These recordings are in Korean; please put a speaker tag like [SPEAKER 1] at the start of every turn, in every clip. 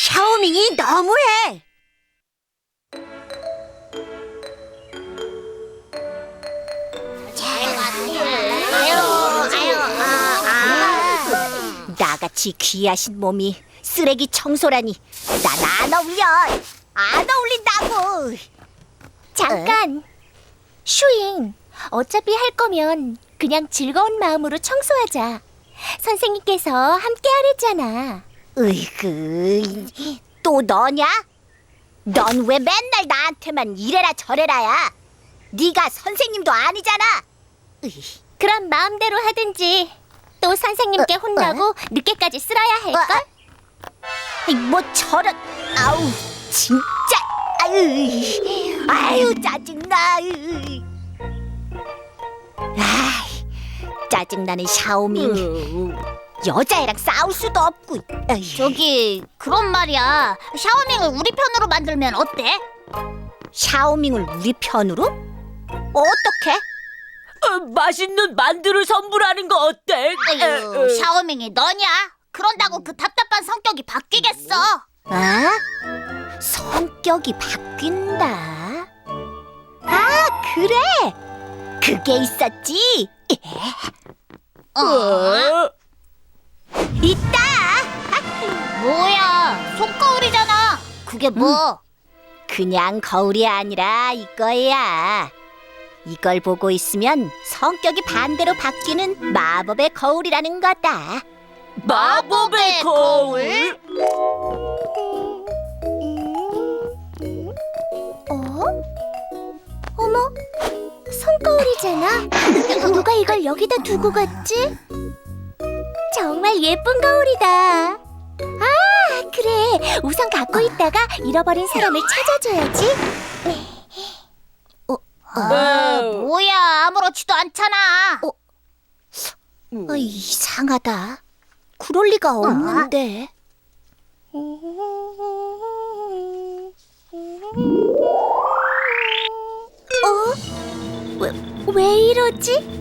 [SPEAKER 1] 샤오밍이 너무해. 나같이 귀하신 몸이 쓰레기 청소라니 난 안 어울려. 안 어울린다고.
[SPEAKER 2] 잠깐! 슈잉, 어차피 할 거면 그냥 즐거운 마음으로 청소하자. 선생님께서 함께 하랬잖아.
[SPEAKER 1] 으이그, 또 너냐? 넌 왜 맨날 나한테만 이래라 저래라야? 네가 선생님도 아니잖아.
[SPEAKER 2] 그럼 마음대로 하든지. 또 선생님께 혼나고 늦게까지 쓸어야 할걸?
[SPEAKER 1] 뭐 저런, 아우 진짜, 아유 짜증나. 짜증나는 샤오밍. 여자애랑 싸울 수도 없고.
[SPEAKER 3] 저기 그런 말이야. 샤오밍을 우리 편으로 만들면 어때?
[SPEAKER 1] 샤오밍을 우리 편으로? 어떻게?
[SPEAKER 4] 맛있는 만두를 선물하는 거 어때?
[SPEAKER 3] 에휴, 샤오밍이 너냐? 그런다고 그 답답한 성격이 바뀌겠어?
[SPEAKER 1] 아? 성격이 바뀐다. 아, 그래. 그게 있었지. 있다.
[SPEAKER 3] 뭐야, 손거울이잖아. 그게 뭐?
[SPEAKER 1] 그냥 거울이 아니라 이거야. 이걸 보고 있으면 성격이 반대로 바뀌는 마법의 거울이라는 거다.
[SPEAKER 4] 마법의 거울?
[SPEAKER 2] 어머, 손거울이잖아. 누가 이걸 여기다 두고 갔지? 정말 예쁜 거울이다. 아, 그래. 우선 갖고 있다가 잃어버린 사람을 찾아줘야지.
[SPEAKER 3] 뭐야, 아무렇지도 않잖아.
[SPEAKER 1] 이상하다. 그럴 리가 없는데.
[SPEAKER 2] 왜 이러지?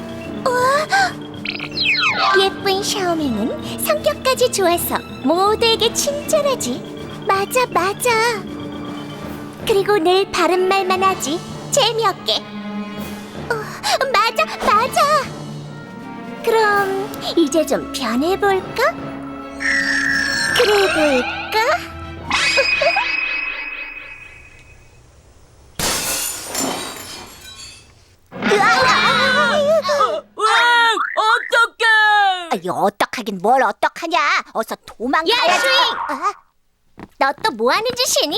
[SPEAKER 2] 예쁜 샤오밍은 성격까지 좋아서 모두에게 친절하지. 맞아, 맞아. 그리고 늘 바른 말만 하지. 재미없게. 맞아, 맞아. 그럼 이제 좀 변해볼까? 그래볼까?
[SPEAKER 4] 어떡해!
[SPEAKER 1] 어떡하긴 뭘 어떡하냐. 어서 도망가야지.
[SPEAKER 2] 야, 슈잉! 너 또 뭐하는 짓이니?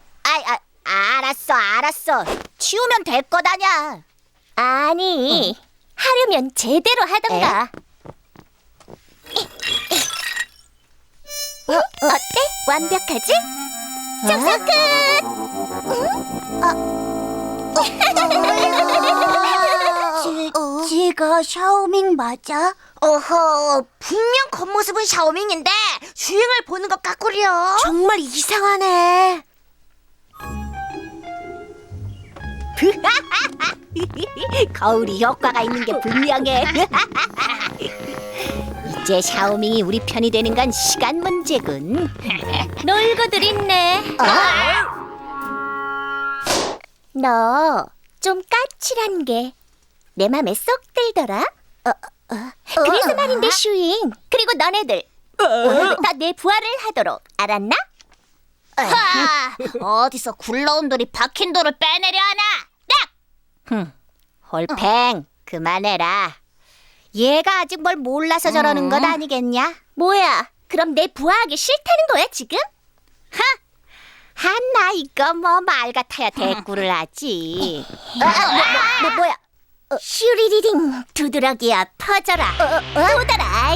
[SPEAKER 1] 알았어. 치우면 될 거다냐.
[SPEAKER 2] 아니, 하려면 제대로 하던가. 어때? 완벽하지? 청소 끝!
[SPEAKER 1] 제가 샤오밍 맞아? 어허, 분명 겉모습은 샤오밍인데 주행을 보는 것 같구려. 정말 이상하네. 거울이 효과가 있는 게 분명해. 이제 샤오밍이 우리 편이 되는 건 시간 문제군.
[SPEAKER 2] 놀고들 있네. 너 좀 까칠한 게 내 맘에 쏙 들더라. 그래서 말인데 슈잉. 그리고 너네들 다 내 부하를 하도록 알았나?
[SPEAKER 3] 하, 어디서 굴러온 돌이 박힌 돌을 빼내려 하나?
[SPEAKER 1] 홀팽, 그만해라. 얘가 아직 뭘 몰라서 저러는 것 아니겠냐?
[SPEAKER 2] 뭐야? 그럼 내 부하하기 싫다는 거야 지금?
[SPEAKER 1] 한나 이거 뭐 말 같아야 대꾸를 하지. 뭐야?
[SPEAKER 2] 슈리리링 두드러기야 퍼져라. 도달아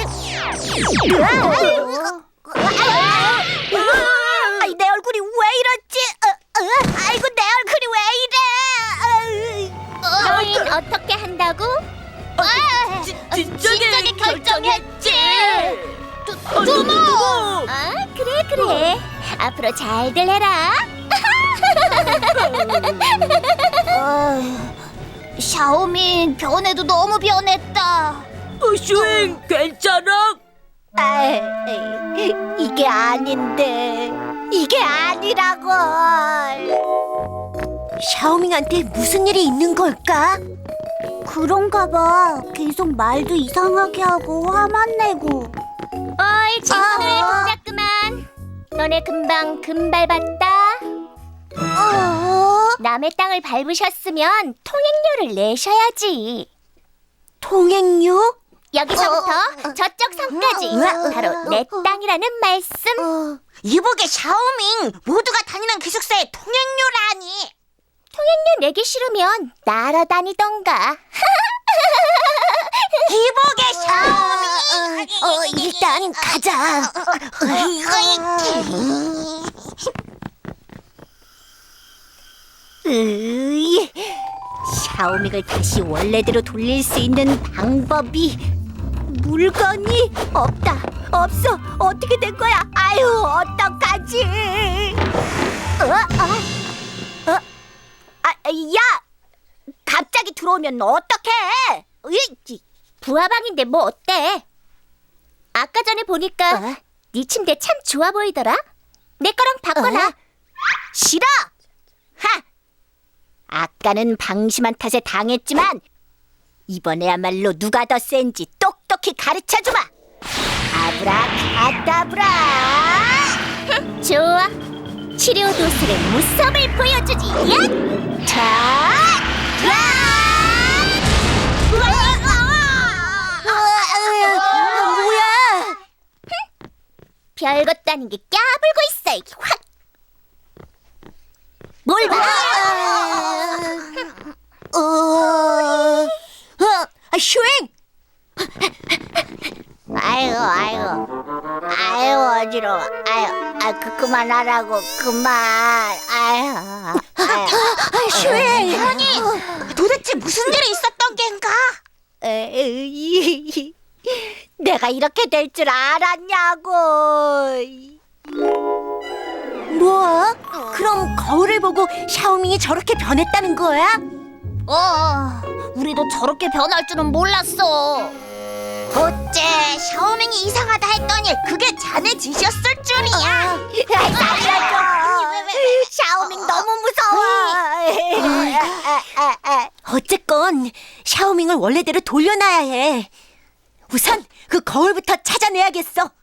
[SPEAKER 1] 내 얼굴이 왜 이렇지? 아이고 내 얼굴이 왜 이래?
[SPEAKER 2] 너흰 어떻게 한다고?
[SPEAKER 3] 진작에 결정했지.
[SPEAKER 4] 두모!
[SPEAKER 2] 아, 그래. 앞으로 잘들 해라.
[SPEAKER 3] 샤오밍 변해도 너무 변했다.
[SPEAKER 4] 슈잉, 괜찮아?
[SPEAKER 1] 이게 아닌데. 이게 아니라고.
[SPEAKER 2] 샤오밍한테 무슨 일이 있는 걸까?
[SPEAKER 1] 그런가 봐. 계속 말도 이상하게 하고 화만 내고.
[SPEAKER 2] 어이, 친구들 동작 그만. 너네 금방 금발 봤다. 남의 땅을 밟으셨으면 통행료를 내셔야지. 통행료? 여기서부터 저쪽 섬까지 바로 내 땅이라는 말씀.
[SPEAKER 3] 이보게 샤오밍, 모두가 다니는 기숙사에 통행료라니.
[SPEAKER 2] 통행료 내기 싫으면 날아다니던가.
[SPEAKER 3] 이보게 샤오밍.
[SPEAKER 2] 일단 가자.
[SPEAKER 1] 샤오밍을 다시 원래대로 돌릴 수 있는 방법이 물건이 없다. 없어. 어떻게 된 거야? 아유, 어떡하지? 야! 갑자기 들어오면 어떡해?
[SPEAKER 2] 부하방인데 뭐 어때? 아까 전에 보니까 네 침대 참 좋아 보이더라. 내 거랑 바꿔놔.
[SPEAKER 1] 싫어! 하! 아까는 방심한 탓에 당했지만 이번에야말로 누가 더 센지 똑똑히 가르쳐주마! 아브라카다브라!
[SPEAKER 2] 좋아. 치료 도술의 무섭을 보여주지. 야!
[SPEAKER 1] 자!
[SPEAKER 2] 뭐야? 별것도 아닌 게 까불고 있어. 이게 확.
[SPEAKER 1] 뭘 봐!
[SPEAKER 2] 슈잉!
[SPEAKER 1] 아유 어지러워. 그만하라고. 그만.
[SPEAKER 2] 슈잉!
[SPEAKER 3] 도대체 무슨 일이 있었던 겐가?
[SPEAKER 1] 내가 이렇게 될 줄 알았냐고.
[SPEAKER 2] 뭐? 그럼 거울을 보고 샤오밍이 저렇게 변했다는 거야?
[SPEAKER 3] 우리도 저렇게 변할 줄은 몰랐어. 어째 샤오밍이 이상하다 했더니 그게 자네 짓이었을 줄이야.
[SPEAKER 1] 살려줘. 샤오밍 너무 무서워.
[SPEAKER 2] 어쨌건 샤오밍을 원래대로 돌려놔야 해. 우선 그 거울부터 찾아내야겠어.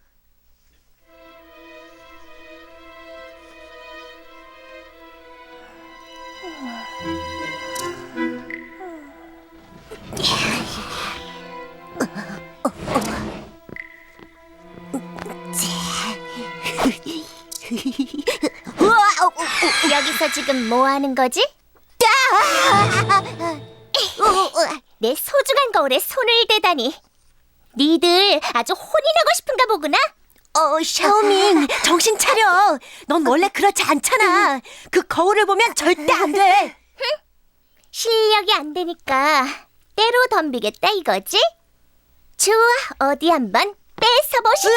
[SPEAKER 2] 여기서 지금 뭐 하는 거지? 내 소중한 거울에 손을 대다니. 니들 아주 혼이 나고 싶은가 보구나. 샤오밍, 정신 차려. 넌 원래 그렇지 않잖아. 그 거울을 보면 절대 안 돼. 실력이 안 되니까 때로 덤비겠다 이거지? 좋아, 어디 한번 뺏어보시지.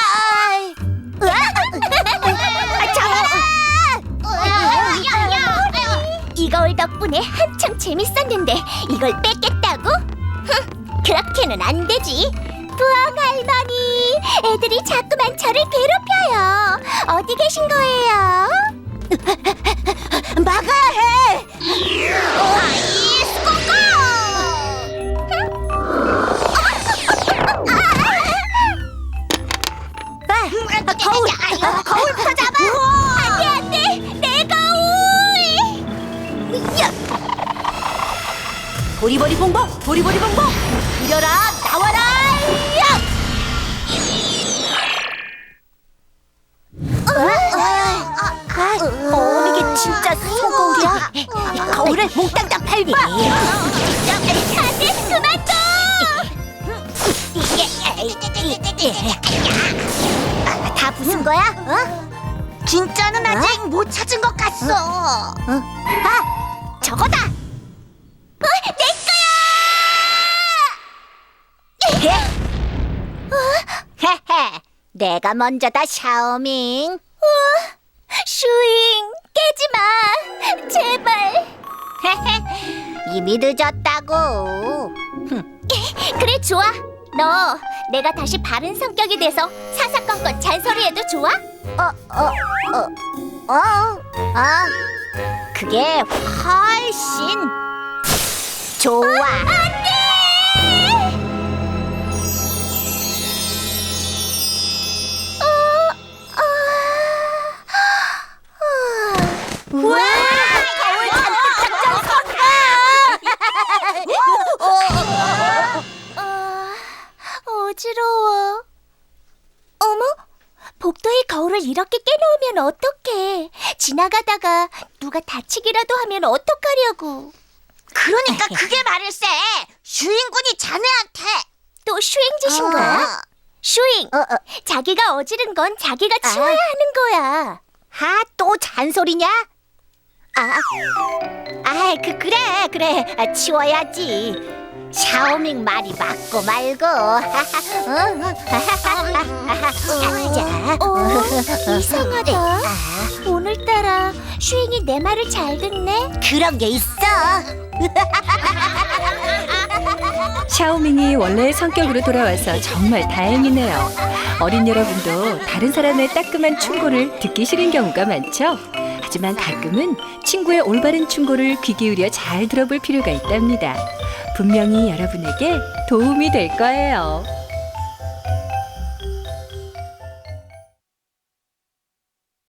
[SPEAKER 2] 이 거울 덕분에 한참 재밌었는데 이걸 뺏겠다고? 그렇게는 안 되지. 부엉 할머니, 애들이 자꾸만 저를 괴롭혀요. 어디 계신 거예요? 막아야 해. 거울부터 잡아. 안돼, 내 거울. 보리보리 봉봉, 보리보리 봉봉, 이려라, 나와라. 이게 진짜 소고기야. 거울을 몽땅 팔기. 안돼, 그만둬. 다 부순 거야?
[SPEAKER 3] 진짜는 아직 못 찾은 것 같소.
[SPEAKER 1] 저거다.
[SPEAKER 2] 내
[SPEAKER 1] 헤헤, 내가 먼저다, 샤오밍.
[SPEAKER 2] 슈잉, 깨지 마, 제발.
[SPEAKER 1] 헤헤, 이미 늦었다고.
[SPEAKER 2] 그래, 좋아. 너 내가 다시 바른 성격이 돼서 사사건건 잘 잔소리해도 좋아?
[SPEAKER 1] 그게 훨씬 좋아. 우와! 거울 잔뜩
[SPEAKER 2] 어지러워. 어머? 복도에 거울을 이렇게 깨놓으면 어떡해. 지나가다가 누가 다치기라도 하면 어떡하려고.
[SPEAKER 3] 그러니까 그게 말일세. 슈잉군이 자네한테.
[SPEAKER 2] 또 슈잉 짓인 거야? 슈잉, 자기가 어지른 건 자기가 치워야 하는 거야.
[SPEAKER 1] 또 잔소리냐? 그래. 치워야지. 샤오밍 말이 맞고 말고. 자,
[SPEAKER 2] 이상하다. 오늘따라 슈잉이 내 말을 잘 듣네.
[SPEAKER 1] 그런 게 있어.
[SPEAKER 5] 샤오밍이 원래의 성격으로 돌아와서 정말 다행이네요. 어린 여러분도 다른 사람의 따끔한 충고를 듣기 싫은 경우가 많죠? 하지만 가끔은 친구의 올바른 충고를 귀 기울여 잘 들어볼 필요가 있답니다. 분명히 여러분에게 도움이 될 거예요.